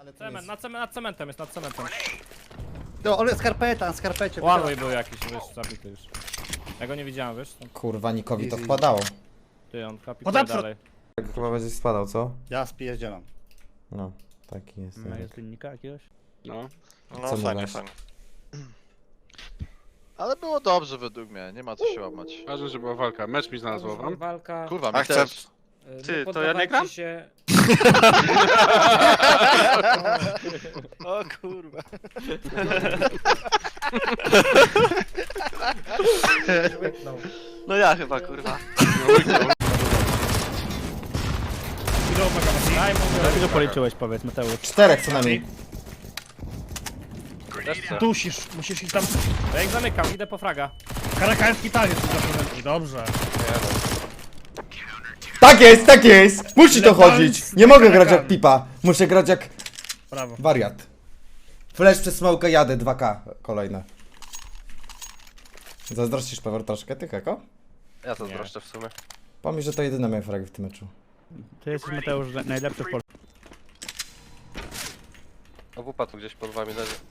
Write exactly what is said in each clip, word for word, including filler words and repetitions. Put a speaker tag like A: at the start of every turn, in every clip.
A: Ale to
B: Cement,
A: jest...
B: nad, cement, nad cementem jest, nad cementem.
A: No, ale skarpeta, na skarpecie.
B: Ładny był jakiś, wiesz, zabity już. Ja go nie widziałem, wiesz?
C: Kurwa, Nikowi to
A: Easy.
C: wpadało.
B: Ty, on kapituje
A: Podeprzód.
B: dalej.
C: Tak chyba będzie spadał, co?
A: Ja spierdzielam.
C: No, taki jest.
B: Ma jest linnika jakiegoś?
D: No.
C: Co
E: No fajnie,
C: mówisz?
E: fajnie. Ale było dobrze według mnie, nie ma co się łamać.
D: Ważne, że była walka. Mecz mi znalazło wam.
B: Walka.
E: Kurwa, mi
D: Akcept.
E: też.
B: y,
D: Ty,
B: nie
D: to ja nie gram?
B: poddawajcie się.
E: O kurwa. No ja chyba kurwa.
B: Daj mu, ile policzyłeś, powiedz, Mateusz.
C: Czterech co najmniej.
F: Dusisz, musisz iść tam.
B: Ja ich zamykam, idę po fraga.
F: Karakański taniec zaprezentuje, dobrze.
C: Tak jest, tak jest! Musi to
F: Legalnie
C: chodzić!
F: z
C: Nie mogę grać jak
F: karakami.
C: pipa. Muszę grać jak
F: Brawo.
C: wariat. Flash przez smołkę jadę, dwa K kolejne. Zazdrościsz Pewor troszkę, ty Heko?
E: Ja to zbroszczę w sumie.
C: Pomyśl, że to jedyne moje fragi w tym meczu.
B: Ty jesteś, Mateusz, najlepszy w Polsce.
E: A wupa tu gdzieś pod wami leży.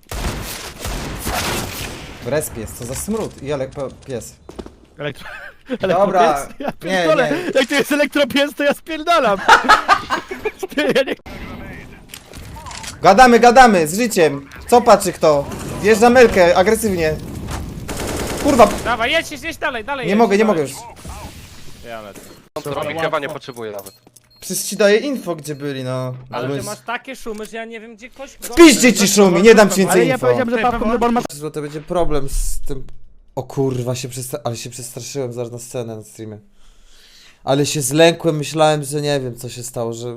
C: W respie jest, co za smród i ale pies.
B: Elektro...
C: Dobra,
B: Ja
C: nie,
B: pierdolę,
C: nie.
B: jak to jest elektropies, to ja spierdalam. Ty, ja nie...
C: Gadamy, gadamy, z życiem. Co patrzy kto? Wjeżdża Melkę, agresywnie. Kurwa,
B: Dawaj, jedź, jedź, jedź dalej, dalej.
C: nie
B: jedź,
C: mogę, nie
B: dalej.
C: mogę już.
B: Ja lecę.
E: On to robi, chyba nie potrzebuje nawet.
C: Przecież ci daję info, gdzie byli, no.
B: Ale
C: Bo
B: ty
C: jest-
B: masz takie szumy, że ja nie wiem, gdzie koś...
C: Spiszcie ci szumi, nie dam ci więcej
B: Ale ja
C: info.
B: powiedziałem, że Pawko Lebon ma...
C: To będzie problem z tym... O kurwa, się przesta... ale się przestraszyłem zaraz na scenę na streamie. Ale się zlękłem, myślałem, że nie wiem co się stało, że...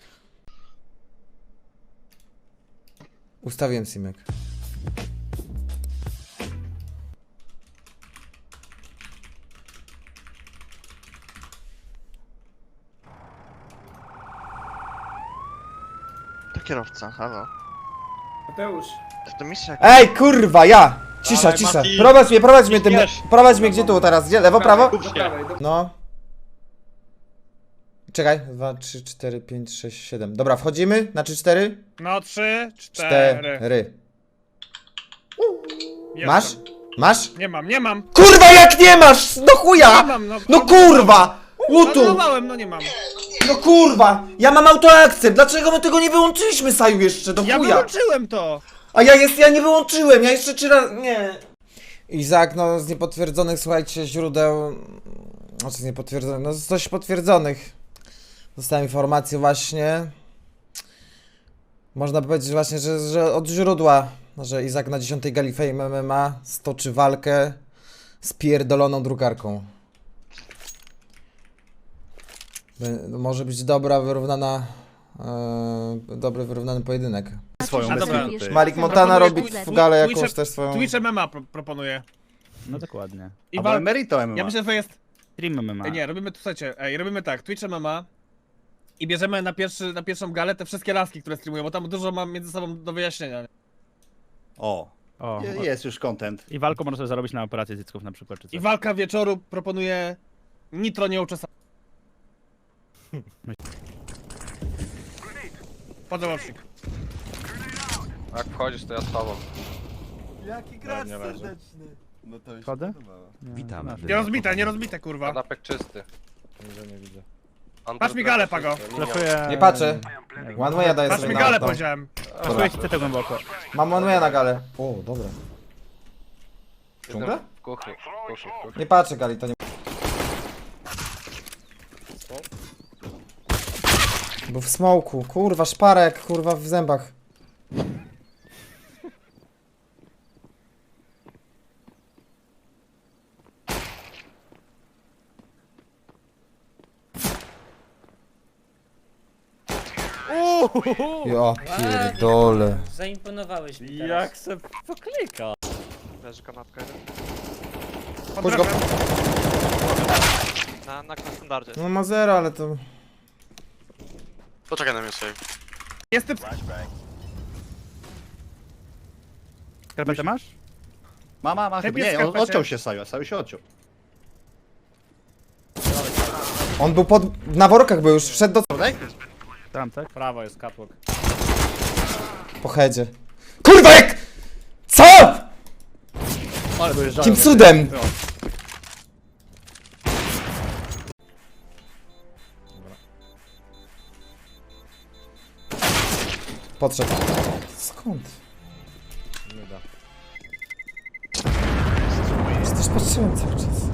C: Ustawiłem simek.
E: To kierowca, halo.
F: Mateusz.
E: To misja.
C: Ej, kurwa, ja! Cisza,
E: Dawaj,
C: cisza.
E: Mati.
C: Prowadź mnie, prowadź mnie tym...
E: Wiesz.
C: Prowadź mnie gdzie tu teraz? Gdzie? Lewo, prawo?
F: Do prawej, do...
C: No. Czekaj. dwa, trzy, cztery, pięć, sześć, siedem. Dobra, wchodzimy na trzy, cztery?
F: No, trzy, cztery.
C: Cztery.
F: Jestem.
C: Masz? Masz?
F: Nie mam, nie mam.
C: Kurwa, jak nie masz! No
F: Nie
C: chuja!
F: mam, no.
C: No kurwa! Łutu!
F: Anulowałem, no nie mam.
C: No kurwa! Ja mam autoakcent! Dlaczego my tego nie wyłączyliśmy, Saju, jeszcze? Do
F: Ja
C: chuja!
F: wyłączyłem to.
C: A ja jest, ja nie wyłączyłem, ja jeszcze trzy razy... Nie. Izak, no z niepotwierdzonych, słuchajcie, źródeł... Znaczy z niepotwierdzonych, no z dość potwierdzonych. Dostałem informację właśnie... Można powiedzieć właśnie, że, że od źródła, że Izak na dziesiątej gali Fame M M A stoczy walkę z pierdoloną drukarką. Bę- Może być dobra, wyrównana... Yy, dobry, wyrównany pojedynek.
A: Swoją
F: A dobra.
A: bez
C: Malik Montana robi
F: Proponuję
C: w galę
F: Twitche-
C: jakąś też swoją...
F: Twitch M M A pro proponuję.
B: No dokładnie.
F: I
A: Albo
F: wal...
A: Emerito M M A.
F: Ja myślę, że to jest...
B: Stream M M A.
F: Ej, nie, robimy, słuchajcie, ej, robimy tak, Twitch M M A i bierzemy na, pierwszy, na pierwszą galę te wszystkie laski, które streamują, bo tam dużo mam między sobą do wyjaśnienia.
A: O,
B: O,
A: je- jest już content.
B: i walką można sobie zarobić na operację zycków na przykład, czy
F: I
B: coś.
F: walka wieczoru proponuje nitro nieuczesane. Podałecznik.
E: Jak wchodzisz, to ja z tobą.
A: Jaki
B: gracz nie leży.
A: serdeczny. No to już
B: Wchodzę?
G: Witamy.
F: Nie rozbite, nie rozbite, kurwa.
E: Kanapek czysty.
B: Nie, nie widzę.
F: Patrz mi galę, Pago.
B: Flashuję...
C: Nie patrzę.
B: Nie wiem.
C: One way'a daję
F: Patrz
C: sobie
F: mi
C: na
F: galę,
C: to.
F: powiedziałem.
B: Flashuję ci te głęboko.
C: Mam one way'a na galę. O, dobra. Dżungla?
E: W kuchni, w kuchni, w kuchni.
C: Nie patrzę gali, to nie... Był w smoku, kurwa, szparek, kurwa, w zębach. Ja pierdolę.
H: Zaimponowałeś mi teraz.
B: Jak se poklika?
E: Leży kanapka jeden.
C: Chodź go.
E: Na, na standardzie.
C: No ma zero, ale to...
E: Poczekaj na mnie sobie.
F: Jest typ...
B: Skarpetę masz?
A: Mama, ma chyba.
F: jest
A: Nie, on
F: skarpecie.
A: odciął się Saju, Saju się odciął.
C: On był pod... na workach był już, wszedł do...
A: Prawda?
B: Tam, tak? Prawo jest catwalk.
C: Po headzie. Kurwa jak! Co?!
B: Ale dojeżdżają.
C: Jakim cudem?
B: No.
C: Podszedł. Skąd?
B: Nie da.
C: Przecież patrzyłem cały czas.